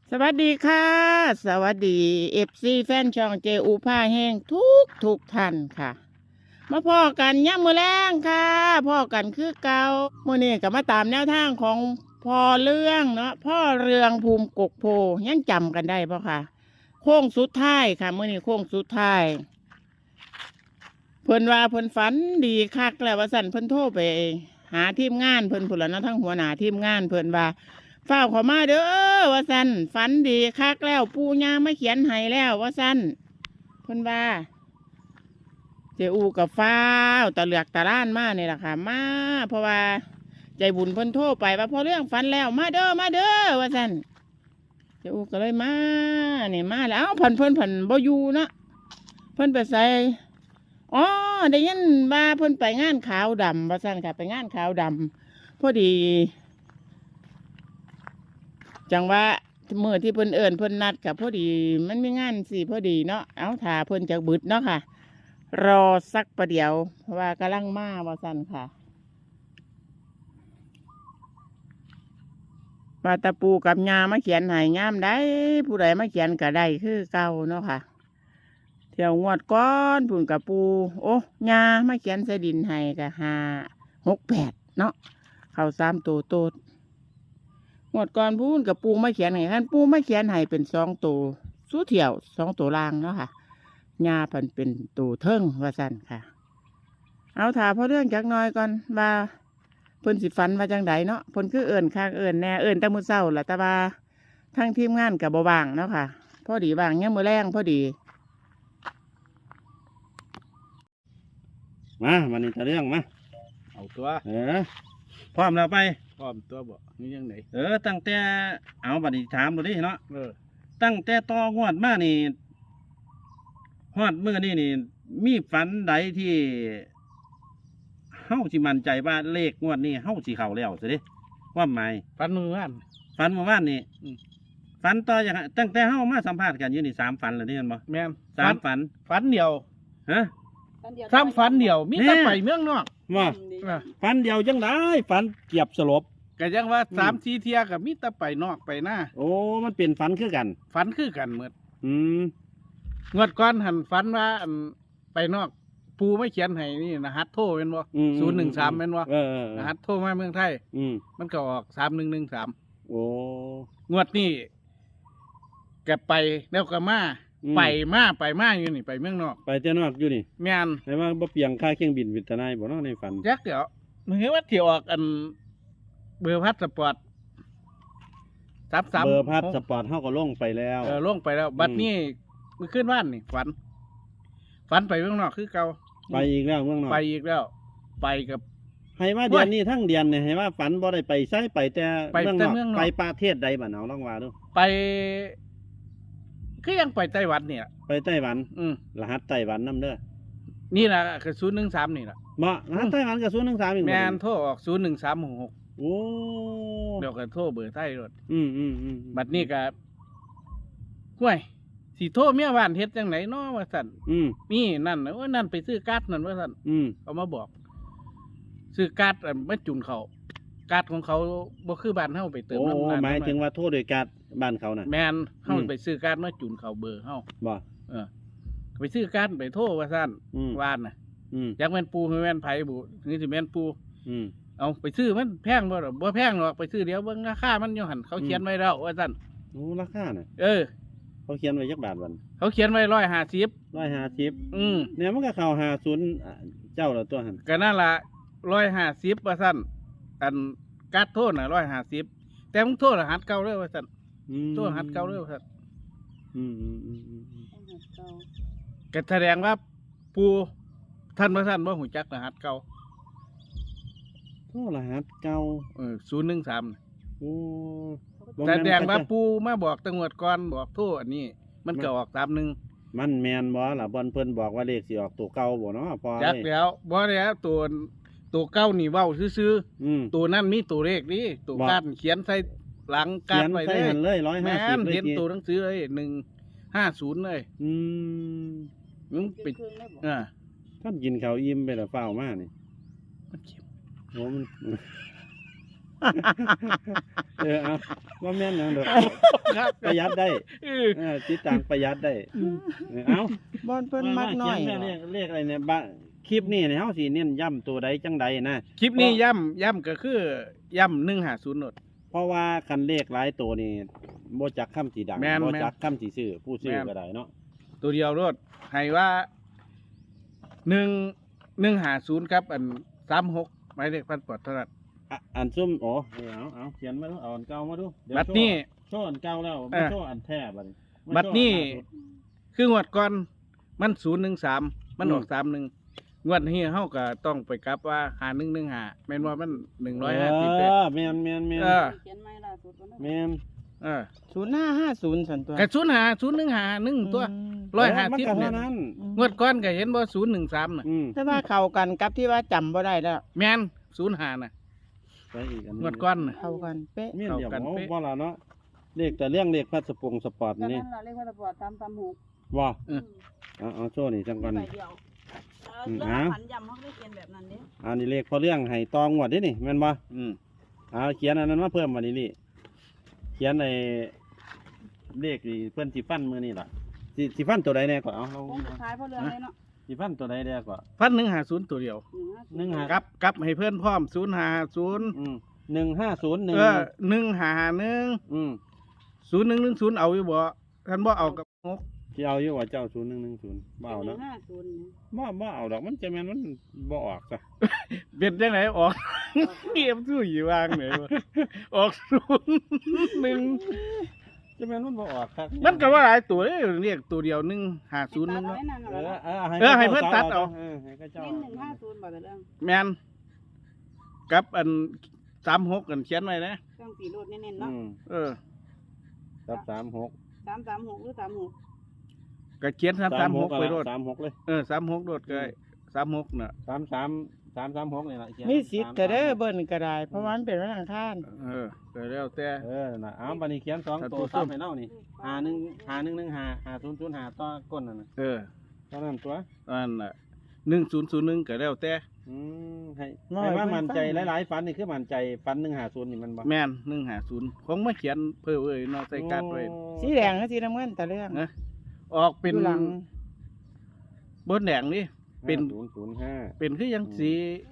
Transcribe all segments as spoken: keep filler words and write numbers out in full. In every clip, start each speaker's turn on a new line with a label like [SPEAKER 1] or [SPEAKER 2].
[SPEAKER 1] สวัสดีค่ะสวัสดีเอฟซีแฟนช่องเจอูผ้าแห้งทุกทุกท่านค่ะมาพ่อกันย่ำมือแรงค่ะพ่อกันคือเก่ามื่อนี้ก็มาตามแนวทางของพ่อเรื่องเนาะพ่อเรืองภูมิกกโพยังจำกันได้ปะค่ะโค้งสุดท้ายค่ะมื่อนี้โค้งสุดท้ายเพิ่นว่าเพิ่นฝันดีคักแล้วว่าสั่นเพิ่นโทรไปหาทีมงานเพิ่นผุนละเนาะทั้งหัวหน้าทีมงานเพิ่นว่าเฝ้าเขามาเด้อว่าสันฝันดีคักแล้วปูย่าไม่เขียนให้แล้วว่าสันเพิ่นว่าเจอูกับฟ้าวตะเหลือกตะล้านมาเนี่ยแหละค่ะมาเพราะว่าใจบุญเพิ่นโทรไปว่าพอเรื่องฝันแล้วมาเด้อมาเด้อว่าสันเจอูก็เลยมาเนี่ยมาแล้วเพิ่นเพิ่นเพิ่นบ่อยู่เนาะเพิ่นไปใส่อ๋อได้ยินว่าเพิ่นไปงานขาวดำว่าสันค่ะไปงานขาวดำพอดีจังว่าเมื่อที่เพิ่นเอิญเพิ่นนัดกับพอดีมันมีงานสิพอดีเนาะเอาถ่าเพิ่นจากบึดเนาะค่ะ รอสักประเดี๋ยวเพราะว่ากำลังมาว่าสั่นค่ะปาตะปูกับยามาเขียนให้ยามได้ผู้ใดมาเขียนก็ได้คือเก่าเนาะค่ะเที่ยวงวดก้อนผุ่นกับปูโอ้ยามาเขียนใส่ดินให้ก็ห้าหกแปดเนาะเข้าสามตัวโตดงวดก่อนพูนกับปูไม่เขียนให้ท่านปูไม่เขียนให้เป็นสองตัวสู้เที่ยวสองตัวล่างเนาะค่ะยาพันเป็นตัวเทิงว่าสั่นค่ะเอาถามเพราะเรื่องจักหน้อยก่อนว่าเพิ่นสิฟันว่าจังไดเนาะเพิ่นคือเอิ่นข้างเอิ่นแน่เอิ่นแต่มื้อเช้าล่ะแต่ว่าทั้งทีมงานกับบ่ว่างเนาะค่ะพอดีว่างเนี่ยมื้อแรงพอดี
[SPEAKER 2] มาวันนี้จะเรื่องมา
[SPEAKER 3] เอาตัว
[SPEAKER 2] เออพร้อมแล้วไป
[SPEAKER 3] พร้อมตัวบ่นี่ยังไง
[SPEAKER 2] เออตั้งแต่เอาบัดนี้ถามดูดิเนาะ
[SPEAKER 3] เออ
[SPEAKER 2] ตั้งแต่ต่องวดมานี่ฮอดมื้อนี้นี่มีฝันใดที่เฮาสิมั่นใจว่าเลขงวดนี้เฮาสิเข้าแล้วสิเด้ความหมาย
[SPEAKER 3] ฟันมือว่าน
[SPEAKER 2] ฝันเมื่อวานนี่ฝันต่อจากตั้งแต่เฮามาสัมภาษณ์กันอยู่นี่สามฝันแล้วนี่แม่นบ่
[SPEAKER 3] แม่น
[SPEAKER 2] สามฝัน
[SPEAKER 3] ฝันเดียว
[SPEAKER 2] ฮะ
[SPEAKER 3] สามฝันเดียวมีแต่ไปเมืองนอก
[SPEAKER 2] ว่าฝันเดียวจังได๋ฝันเกียบสลบ
[SPEAKER 3] ก็ยังว่าสามสี่เที่ยก็มีแต่ไปนอกไปหน้า
[SPEAKER 2] โอ้มันเป็นฝันคือกัน
[SPEAKER 3] ฝันคือกันหมด
[SPEAKER 2] อืม
[SPEAKER 3] งวดก่อนหันฝันว่าอันไปนอกปูไม่เขียนให้นี่นะฮัทโทรเป็นบ่ศูนย์หนึ่งสามเป็นบ่นะฮัทโทรมาเมืองไทยมันก็ออกสามหนึ่งหนึ่งสาม
[SPEAKER 2] โอ้
[SPEAKER 3] งวดนี้แกไปแล้วก็มาไปมาไปมาอยู่นี่ไปเมืองนอก
[SPEAKER 2] ไปเจ้านอกอยู่นี่
[SPEAKER 3] แม่น
[SPEAKER 2] แต่ว่าบ่เปียงค่าเครื่องบินวิทนายบ่เนาะในฝัน
[SPEAKER 3] จักเดี๋ยวมึงเห็นว่าที่ออกอันเบอร์พัสปอร์ตซับซับ
[SPEAKER 2] เบอร์พัสปอร์ตเฮาก็ลงไปแล้ว
[SPEAKER 3] เออลงไปแล้วบัดนี้มือขึ้นบ้านนี่ฝันฝันไปเมืองนอกคือเก่า
[SPEAKER 2] ไปอีกแล้วเมืองนอก
[SPEAKER 3] ไปอีกแล้วไปกับ
[SPEAKER 2] ให้ว่าเดือนนี้ทั้งเดือนเนี่ยให้ว่าฝันบ่ได้ไปใช้ไปแต่
[SPEAKER 3] เมืองนอก
[SPEAKER 2] ไปประเทศใดบ้านเอาลองว่าดู
[SPEAKER 3] ไปคือยังไปไต้หวันเนี่ย
[SPEAKER 2] ไปไต้หวัน
[SPEAKER 3] อืม
[SPEAKER 2] รหัสไต้หวันนำเด้อ
[SPEAKER 3] นี่แหละคือศูนย์หนึ่งสามนี่แหละ
[SPEAKER 2] บ่รหัสไต้หวันกับศูนย์หนึ่งสามอีก
[SPEAKER 3] แม่นโทรออกศูนย์หนึ่งสามหกหก
[SPEAKER 2] โอ้
[SPEAKER 3] เดี๋ยวก็โทรเบอร์ไทยรถ
[SPEAKER 2] อืมอืมอืม
[SPEAKER 3] บัดนี้ก็ห่วยสีโทรเมียบ้านเฮ็ดจังไหนเนาะว่าสั่น
[SPEAKER 2] อืม
[SPEAKER 3] นี่นั่นว่านั่นไปซื้อการ์ดนั่นว่าสั่น
[SPEAKER 2] อืม
[SPEAKER 3] เขามาบอกซื้อการ์ดไม่จุนเขาการ์ดของเขาบ่คือบ้านเฮาไปเติม
[SPEAKER 2] น้ำมันหมายถึงว่าโทรโดยการ์ดบ้านเขาน่ะ
[SPEAKER 3] แม่นเฮาไปซื้อการ์ดมาจุนเขาเบอร์เฮา
[SPEAKER 2] บ่
[SPEAKER 3] เออไปซื้อการ์ดไปโทรว่าสั่นว่านน่ะอยากแม่นปูคือแม่นไผบุนี่สิแม่นปู
[SPEAKER 2] อืม
[SPEAKER 3] เอาไปซื้อมันแพงบ่หรอบ่แพงหรอกไปซื้อเดี๋ยวเบิ่งราคามันอยู่หั่นเขาเขียนไว้แล้วว่าสั่น
[SPEAKER 2] โอ้ราคาน่ะ
[SPEAKER 3] เออ
[SPEAKER 2] เขาเขียนไว้จักบาทวัน
[SPEAKER 3] เขาเขียนไว้ร้อยห้าสิบ
[SPEAKER 2] ร้อยห้าสิบ
[SPEAKER 3] อืม
[SPEAKER 2] เนี่ยมันก็เข้าห้าศูนย์เจ้าละตัวหั่น
[SPEAKER 3] ก็นั่นล่ะร้อยห้าสิบว่าสั่นอันการ์ดโทษน่ะร้อยห้าสิบแต่มึงโทษรหัสเก่าเลยว่าสั่นโทษรหัสเก่าเลยว่าสั่น
[SPEAKER 2] อืมอืมอืมอืม
[SPEAKER 3] ก็แสดงว่าปูท่านว่าสั่นว่าหูจักรหัสเก่า
[SPEAKER 2] โทษรหัสเก่า
[SPEAKER 3] เออศูนย์หนึ่งสาม
[SPEAKER 2] โอ้
[SPEAKER 3] แสดงว่าปูมาบอกตำรวจก่อนบอกโทษอันนี้มันก็ออกตามหนึ่ง
[SPEAKER 2] มันแมนบ่ล่ะบอลเพิ่นบอกว่าเลขสิออกตัวเก่าบ่เนาะพอ
[SPEAKER 3] จักแล้วบ่แล้วตัวตัวเก้านี่เว้าซื่อๆตัวนั่นมีตัวเลขนี่ตัวการเขียนใส่หลังการไว้เลย
[SPEAKER 2] เลยร้อยห้าสิบ
[SPEAKER 3] เลยเห็นตัวหนังสือเลยหนึ่งห้าศูนย์เลย
[SPEAKER 2] อืม
[SPEAKER 3] มึงปิดอ่า
[SPEAKER 2] ท่านกินข้าวอิ่มไปแล้วเฝ้ามานี่
[SPEAKER 3] มันเข็ม
[SPEAKER 2] โอ้มันเออเอาว่าแม่นหยังดอก
[SPEAKER 3] ครับ
[SPEAKER 2] ประหยัดได้
[SPEAKER 3] เออ
[SPEAKER 2] เออติดตามประหยัดได้เออเอา
[SPEAKER 1] บอนเพิ่นมักน้อย
[SPEAKER 2] เขีนเลขเลขอะไรเนี่ยบะคลิปนี้เนี่ยเฮาสิเน้นย้ำตัวใดจังใดนะ
[SPEAKER 3] คลิปนี้ย่ำย่ำก็คือย่ำหนึ่งหาศูนย์โนด
[SPEAKER 2] เพราะว่าคันเลขหลายตัวนี่บ่จักคำสีดัง
[SPEAKER 3] แม่น
[SPEAKER 2] บ่
[SPEAKER 3] แม่น
[SPEAKER 2] จักคำสีซื้อผู้ซื้อ
[SPEAKER 3] แม่น
[SPEAKER 2] ก็ได้เนาะ
[SPEAKER 3] ตัวเดียวรถให้ว่าหนึ่งหนึ่งหาศูนย์ครับอันสามหกหมายเลขพันปอดเท่านั้น
[SPEAKER 2] อ่ะอันซุ่มโอ้เอาเอาเขียนมาดูเอาอันเก่ามาดูเยว
[SPEAKER 3] บัดนี้
[SPEAKER 2] โชว์อันเก่าแล้ว
[SPEAKER 3] เอ
[SPEAKER 2] มา
[SPEAKER 3] อ
[SPEAKER 2] โชว์อันแท้บัดนี้มา
[SPEAKER 3] บัด
[SPEAKER 2] โชว์
[SPEAKER 3] นี้
[SPEAKER 2] อัล่าสุด
[SPEAKER 3] คืองวดก่อนมันศูนย์หนึ่งสามมัน
[SPEAKER 2] อืม
[SPEAKER 3] ออกสามหนึ่งงวดนี้เฮาก็ต้องไปกลับว่าหาหนึ่งหนึ่งหาแม่นว่ามันหนึ่งร้อยห้าสิบ
[SPEAKER 2] เอ
[SPEAKER 3] เอ็ด
[SPEAKER 2] อแม่นแม่นแม่น
[SPEAKER 3] เออ
[SPEAKER 4] เขียนไม่ล่าสุดวันนั้น
[SPEAKER 2] แม่น
[SPEAKER 3] เออ
[SPEAKER 1] ศูนย์ห้าห้าศูนย์สันตัว
[SPEAKER 3] กระศูนย์หาศูนย์หนึ่งหาหนึ่งตัว
[SPEAKER 1] อืม
[SPEAKER 3] ร้อยห้า
[SPEAKER 2] มัน
[SPEAKER 3] สิบ
[SPEAKER 2] ก็
[SPEAKER 3] เนี่ย
[SPEAKER 2] เท่านั้น
[SPEAKER 3] งวดก่อนก็เห็นว่าศูนย์หนึ่งสามน่ะ
[SPEAKER 2] อืม
[SPEAKER 1] แต่ว่าเข้ากันกับที่ว่าจำบ่ได้แล้ว
[SPEAKER 3] แม่นศูนย์หาน่ะ
[SPEAKER 2] ไปอีกอันห
[SPEAKER 3] ง
[SPEAKER 2] นึ่
[SPEAKER 3] วดก้อนน่ะ
[SPEAKER 1] เข้ากันเป๊ะ
[SPEAKER 2] เมียนเดียว
[SPEAKER 3] เข้ากัน
[SPEAKER 2] โอ้
[SPEAKER 3] เป๊ะ
[SPEAKER 2] บ่ล่ะเนาะเลขแต่เรื่องเลขพัสปงสปอร์ต
[SPEAKER 4] ตอน
[SPEAKER 2] นี่
[SPEAKER 4] นั้นเราเรียกว่าตะปอดตามตามหก
[SPEAKER 2] ว่า
[SPEAKER 3] เออ
[SPEAKER 2] เอาเอาโซ่นี่จังก่อน
[SPEAKER 4] ใบเดียวเออ
[SPEAKER 2] อืม
[SPEAKER 4] เรื่อง
[SPEAKER 2] อ้าว
[SPEAKER 4] ผันยำเขาไม่ได้เขียนแบบนั้นเด้
[SPEAKER 2] อันนี้เลขพอเรื่องให้ตองวดเด้นี่แม่นบ่
[SPEAKER 3] อืม
[SPEAKER 2] เอาเขียนอันนั้นมาเพิ่มมานี่นี่เขียนในเลขที่เพิ่นสิฟันมื้อนี่ล่ะสิสิฟันตัวใดแน่ก่อนเอาเอา
[SPEAKER 4] คงสุดท้ายเพราะเรื่องเลยเนาะ
[SPEAKER 2] สิฟันตัวใดแน่ก่อน
[SPEAKER 3] พันหนึ่งหาศูนย์ตัวเดียว
[SPEAKER 4] หนึ่งห้า
[SPEAKER 2] หนึ่งห้า
[SPEAKER 3] กลับกลับให้เพื่อนพร้อมศูนย์หาศูนย์
[SPEAKER 2] อืมหนึ่งห้าศูนย์หนึ่ง
[SPEAKER 3] เออหนึ่งหาหนึ่ง
[SPEAKER 2] อืม
[SPEAKER 3] ศูนย์หนึ่งหนึ่งศูนย์เอาอยู่บ่ท่านบ่เอากับงก
[SPEAKER 2] ที่เอาอยู่ว่าเจ้าศูนย์หนึ่งหนึ่งศูนย์บ่เอา
[SPEAKER 4] หนึ่
[SPEAKER 2] เนาะ
[SPEAKER 4] งห้าศูนย์เนี่ย
[SPEAKER 2] บ่บ่เอาดอกมันจะแม่นมันบ่ออกจ้ะ
[SPEAKER 3] เป็นจังไหนออก เกียมสู้อยู่วางไหนวะออกศูนย์หนึ่ง
[SPEAKER 2] จะแม่นมันบ่ออกครับ
[SPEAKER 3] มันก็ว่าหลายตัวเลยเรียกตัวเดียวหนึ่งหาศูนย์หนึ่ง
[SPEAKER 4] ตัด
[SPEAKER 3] เนาะ
[SPEAKER 4] ไว้นั่น
[SPEAKER 2] เอ
[SPEAKER 4] เอา
[SPEAKER 2] อ
[SPEAKER 4] ละ
[SPEAKER 2] เออให้
[SPEAKER 3] เออให้เพิ่นตัดเอา
[SPEAKER 2] เออให้เขาเจ้า
[SPEAKER 4] เน้นหนึ่งห้าศูนย์บอกแต่เรื่อง
[SPEAKER 3] แมนกับอันสามหกกันเขียนไว้นะ
[SPEAKER 4] เครื่องสีรูดเน้นๆ
[SPEAKER 2] อื
[SPEAKER 4] เนาะ
[SPEAKER 2] ม
[SPEAKER 3] เออ
[SPEAKER 2] ครับสามหก
[SPEAKER 4] สามสามหกหรือสามหก
[SPEAKER 3] ก็เขียนสามสามหกไปโรด
[SPEAKER 2] สามหกเลย
[SPEAKER 3] เออสามหกโรดก็ได้สามหกน่ะ
[SPEAKER 2] สามสามสามสามหกนี่ล่ะเขียน
[SPEAKER 1] มีสิทธิ์แต่เด้อ
[SPEAKER 2] สามสามหก
[SPEAKER 1] เบิ่นก็ได้ เพราะว่ามันเป็นวันอังคาร
[SPEAKER 3] เออก็แล้วแต่
[SPEAKER 2] เออน่ะเอาบัดนี้เขียนสอง
[SPEAKER 3] ถ้า
[SPEAKER 2] ตั
[SPEAKER 3] ตัว ว
[SPEAKER 2] ซ้ำ
[SPEAKER 3] ส้ม
[SPEAKER 2] ให้เนานี่หาหนึ่งหาหนึ่งหนึ่งหาหาศูนย์ศูนย์หาต่อก้นนั่นน่ะ
[SPEAKER 3] เออ
[SPEAKER 2] เท่านั้นตัว
[SPEAKER 3] อันน่ะหนึ่งศูนย์ศูนย์หนึ่งก็แล้วแต่
[SPEAKER 2] อืมให้
[SPEAKER 1] น้อย
[SPEAKER 2] ให้ว่า
[SPEAKER 1] เพิ่น
[SPEAKER 2] มันใจ
[SPEAKER 1] ฟัง
[SPEAKER 2] หลายๆฝันนี่คือมันใจฝันหนึ่งหาศูนย์นี่มันบ่
[SPEAKER 3] แม่นหนึ่งหาศูนย์คงมาเขียนเพื่อเอ้ยเนาะใส่การ์ดไว้
[SPEAKER 1] สีแดงกับสีน้ำเงินแต่เรื่อง
[SPEAKER 3] นะออกเป็น
[SPEAKER 1] อยู่หลัง
[SPEAKER 3] บนแดงนี่ เป็น
[SPEAKER 2] ศูนย์ศูนย์ห้า
[SPEAKER 3] เป็นคือยังสี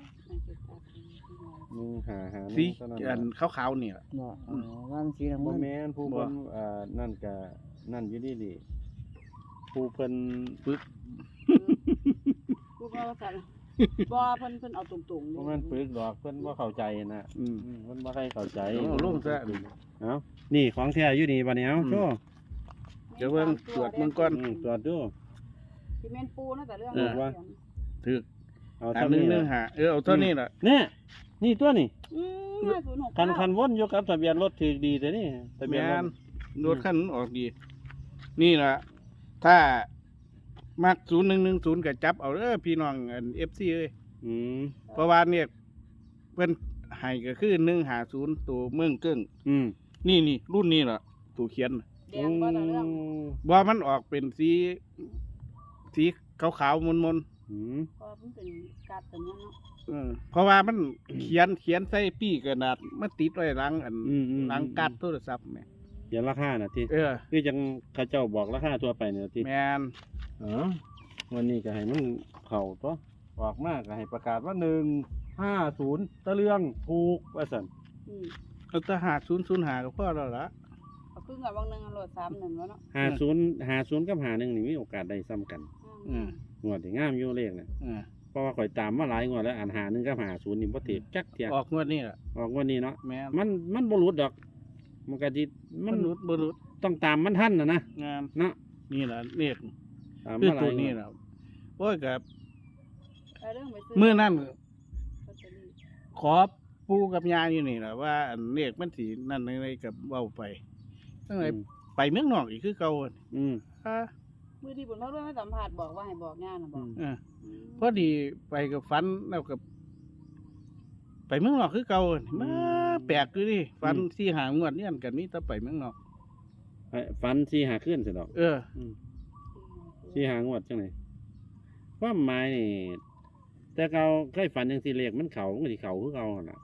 [SPEAKER 2] หนึ่งหาหาห
[SPEAKER 3] สี
[SPEAKER 2] นึ่งเท่านั้น
[SPEAKER 3] อัน
[SPEAKER 2] น่ะ
[SPEAKER 3] ขาวๆนี่ล่ะ
[SPEAKER 1] บ่อ๋อว่ามันสีน้ำ
[SPEAKER 2] บ่
[SPEAKER 1] เงิน
[SPEAKER 2] แม่นผู้
[SPEAKER 3] บ่
[SPEAKER 2] เพิ่นเอ่อนั่นก็นั่นอยู่ดีดิผู้เพิ่น
[SPEAKER 3] ปึก
[SPEAKER 4] กูก็ว่าสั่นบ่เพิ่นเพิ่นเอาตรงๆ
[SPEAKER 2] บ่แม่นปึกดอกเพิ่นบ่เข้าใจนะ
[SPEAKER 3] อืม
[SPEAKER 2] อืมเพิ่นบ่ใครเข้าใจ
[SPEAKER 3] เอาลงซะ
[SPEAKER 2] เอ้านี่ของแท้อยู่นี่บัดนี้เอ้า
[SPEAKER 3] อืม
[SPEAKER 2] โชว์
[SPEAKER 3] เดี๋ยวเบิ่งตรวจเบิ่งก่อน
[SPEAKER 2] อืมตรวจดู
[SPEAKER 4] ที่แม่นปูนะแต่เรื่อง
[SPEAKER 3] เออ
[SPEAKER 4] ว่า
[SPEAKER 3] ถือ
[SPEAKER 2] เอา
[SPEAKER 3] หา
[SPEAKER 2] เท่า
[SPEAKER 3] หนึ่ง
[SPEAKER 2] นี้
[SPEAKER 3] หนึ่ง
[SPEAKER 2] ล่ะ
[SPEAKER 3] หาเออเอาเท่านี้ล่ะ
[SPEAKER 2] เนี่ยนี่ตัวนี่
[SPEAKER 4] อืมห้าศูนย์หก
[SPEAKER 2] คันคันวนอยู่กับทะเบียนรถถือดีแต่นี่ทะเบียน
[SPEAKER 3] แม่
[SPEAKER 2] ร
[SPEAKER 3] น
[SPEAKER 2] ถ
[SPEAKER 3] รถคันนั้นออกดี นี่ล่ะ ถ้ามักศูนย์หนึ่งหนึ่งศูนย์ก็จับเอาเด้อพี่น้องอันเอฟซีเอ้ย
[SPEAKER 2] อืม
[SPEAKER 3] เพราะว่าเนี่ยเพิ่นให้ก็คือหนึ่งหาศูนย์ตัวเมืองเกิ้ง
[SPEAKER 2] อืม
[SPEAKER 3] นี่นี่รุ่นนี้ล่ะตัวเขียนน่ะ
[SPEAKER 4] แดงบ่แต่เรื่อง
[SPEAKER 3] ว่ามันออกเป็นสีสีขาวๆมน
[SPEAKER 2] อืม
[SPEAKER 4] เพราะมันเป็นการ์ดตัวนี้เนาะ
[SPEAKER 3] ๆเออเพราะว่ามันเขียนเขียนใส่ปี้กระดาษมันติดไว้หลังอัน
[SPEAKER 2] อืมอืม
[SPEAKER 3] หลังการ์ดโทรศัพท์แหม่
[SPEAKER 2] เขียนราคาน่ะที่
[SPEAKER 3] เออ
[SPEAKER 2] คือจังเขาเจ้าบอกราคาทั่วไปเนี่ยที่
[SPEAKER 3] แมน
[SPEAKER 2] อ๋อวันนี้ก็ให้มันเข้าตัวออกมากก็ให้ประกาศว่าหนึ่งห้าศูนย์ตะเลืองถูกว่าสัน
[SPEAKER 4] อืม
[SPEAKER 3] เอาแตหาศูนย์ศูนย์หาก็พอแล้วละ
[SPEAKER 4] เอาครึ่งกับบางหนึงเอาโหลดสามหนึ่งแล้วเนาะ
[SPEAKER 2] ห้าศูนย์ห้าศูนย์กับห้าหนึ่งนี่มีโอกาสได้ซ้ำกัน
[SPEAKER 3] อืม
[SPEAKER 2] งวดที่งามอยู่เลขเนี่ย
[SPEAKER 3] อืม
[SPEAKER 2] เพราะว่าข่อยตามมาหลายงวดแล้วอ่านหาหนึ่งกับหาศูนย์นี่บ่ติดจักเทีย
[SPEAKER 3] ออกงวดนี้ล่ะ
[SPEAKER 2] ออกงวันนี้เนาะ
[SPEAKER 3] แมน
[SPEAKER 2] มันมันบ่หลุดดอก มันก็สิมั
[SPEAKER 3] มัน นรุดบรุษ
[SPEAKER 2] ต้องตามมันทันนะนะ
[SPEAKER 3] งาน
[SPEAKER 2] เนาะ
[SPEAKER 3] นี่ล่ะเนี่ย
[SPEAKER 2] ตาม
[SPEAKER 3] คือ
[SPEAKER 2] มาหลา
[SPEAKER 3] ตัวย นี้
[SPEAKER 2] งวด
[SPEAKER 3] ล่ะโอ้ยกับ
[SPEAKER 4] เอาเรื่องไปซื้
[SPEAKER 3] มื้อนั้น
[SPEAKER 4] ลอตเตอรี่
[SPEAKER 3] ขอปูกับยาอยู่นี่ล่ะว่าอันเลขมันสินั่นอะไรกับเว้าไปตั้งแต่
[SPEAKER 2] อืม
[SPEAKER 3] ไปเมืองนอกอีกคือเก่าอะ
[SPEAKER 2] อืม
[SPEAKER 3] อ่า
[SPEAKER 4] มือที่บุญเขาด้วยมาสัมผัสบอกว่าให้บอกงานนะบอก
[SPEAKER 3] เออพอดีไปกับฟันแล้วกับ ไปเมืองนอกคือเก่าอะมาแปลกคือดิฟันที่หางวดเนี่ยกันนี่ถ้าไปเมืองนอก
[SPEAKER 2] ไอ้ฟันสี่หาขึ้นสิดอก
[SPEAKER 3] เออ
[SPEAKER 2] อืมสี่หางวดจังไดความหมายนี่แต่เก่าเคยฝันจังซี่เลขมันเข้ามันก็สิเข้าคือเก่าหั่นน่ะ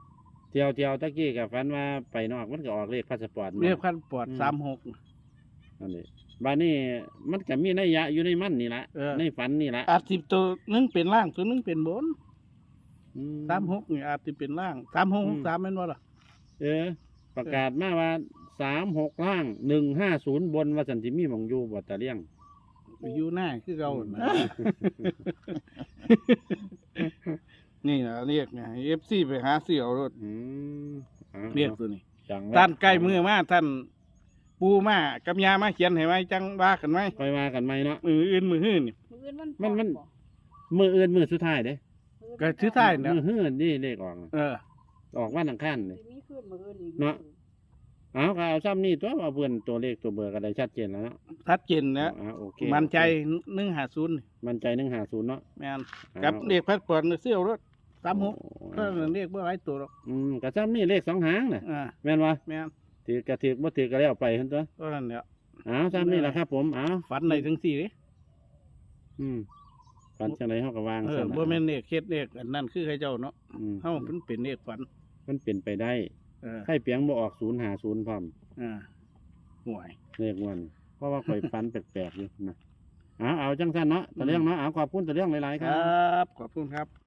[SPEAKER 2] เที่ยวเที่ยวตะกี้กับฝันว่าไปนอกมันก็ออกเลขพาสปอร์ต
[SPEAKER 3] เรียกพันปอด
[SPEAKER 2] อืม
[SPEAKER 3] สามหก
[SPEAKER 2] นั่นนี่บ้านนี้มันก็มีนัยยะอยู่ในมันนี่ละ
[SPEAKER 3] เออ
[SPEAKER 2] ในฝันนี่ละ
[SPEAKER 3] อาจสิบตัวหนึงเป็นล่างตัวหนึงเป็นบน
[SPEAKER 2] อื
[SPEAKER 3] สามหกนี่อาจสิเป็นล่างสามหก
[SPEAKER 2] อืม
[SPEAKER 3] สามแม่นบ่ล่ะ
[SPEAKER 2] เออ ประกาศมาว่าสามหกล่างหนึ่งห้าศูนย์บนว่าสันติมีหมองอยู่บัตตะเลี่ยง
[SPEAKER 3] อยู่หน้าคือเก่าน่ะ นี่นะเรียกไง เอฟ ซี ไปหาเสี่ยวรถ
[SPEAKER 2] อืมอา
[SPEAKER 3] เรียกตัวนี้
[SPEAKER 2] จัง
[SPEAKER 3] ท่านใกล้มือมาท่านปูมากับยามาเขียนให้ไว้จังว่ากันไหม
[SPEAKER 2] ไปว่ากันไหมเนาะ
[SPEAKER 3] มืออื่นมือหื้อนี่
[SPEAKER 4] มื้ออื่นมัน
[SPEAKER 2] มันมัน
[SPEAKER 4] บ่
[SPEAKER 2] มืออื่นมือสุดท้ายเด้
[SPEAKER 4] มื้
[SPEAKER 3] ก็ถือท้ายนะ
[SPEAKER 2] มือเฮือนนี่เลขออกน่ะ
[SPEAKER 3] เออ
[SPEAKER 2] ออกวันอังคารเลย
[SPEAKER 4] สิมีคืนมื้ออื่นอีก
[SPEAKER 2] เนาะ เอาก็เอาซ้ำนี่ตัวว่าเพื่อนตัวเลขตัวเบอร์ก็ได้ชัดเจนแล้วเนาะ
[SPEAKER 3] ทัดเจนนะ
[SPEAKER 2] อ่าโอเค
[SPEAKER 3] มันใจ
[SPEAKER 2] โอเค
[SPEAKER 3] หนึ่งหาศูนย์
[SPEAKER 2] มันใจหนึ่งหาศูนย์เนาะ
[SPEAKER 3] แม่น
[SPEAKER 2] อ่า
[SPEAKER 3] กับเรียกพัดปอดเสี่ยวรถสามหก
[SPEAKER 2] โอ้
[SPEAKER 3] ก็เรียกเมื่อไรตัวหรอก
[SPEAKER 2] อืมก็ซ้ำนี่เลขสองหางน่ะ
[SPEAKER 3] อ่า
[SPEAKER 2] แม่นวะ
[SPEAKER 3] แม่น
[SPEAKER 2] ถือกระถือบ่ถือก็แล้วไปเห็นตัว
[SPEAKER 3] ก็นั่นแหละ
[SPEAKER 2] เอาซ้ำนี่แหละครับ ผมเอา
[SPEAKER 3] ฝันในถึงสี่เลย
[SPEAKER 2] อืมฝันจังไรเฮาก็วาง
[SPEAKER 3] เอ
[SPEAKER 2] ซะ
[SPEAKER 3] อ
[SPEAKER 2] นะ
[SPEAKER 3] บ่แม่นเรียกเคสเรียกอันนั้นคือใครเจ้าเนาะ
[SPEAKER 2] อืม
[SPEAKER 3] เฮาเป็นเป็นเรียกฝัน
[SPEAKER 2] มันเป็นไปได้
[SPEAKER 3] เออ
[SPEAKER 2] ไข่เปียงบ่ออกศูนย์หาศูนย์พร้อม
[SPEAKER 3] อ่าห่วย
[SPEAKER 2] เลขวันเพราะว่าข่อยฝันแปลกๆอยู่นะเอาเอาจังซั่นเนาะตะเรื่องเนาะเอาขอบคุณตะเรื่องหลายๆค
[SPEAKER 3] ค
[SPEAKER 2] รั
[SPEAKER 3] รับ บ ขอบคุณครับ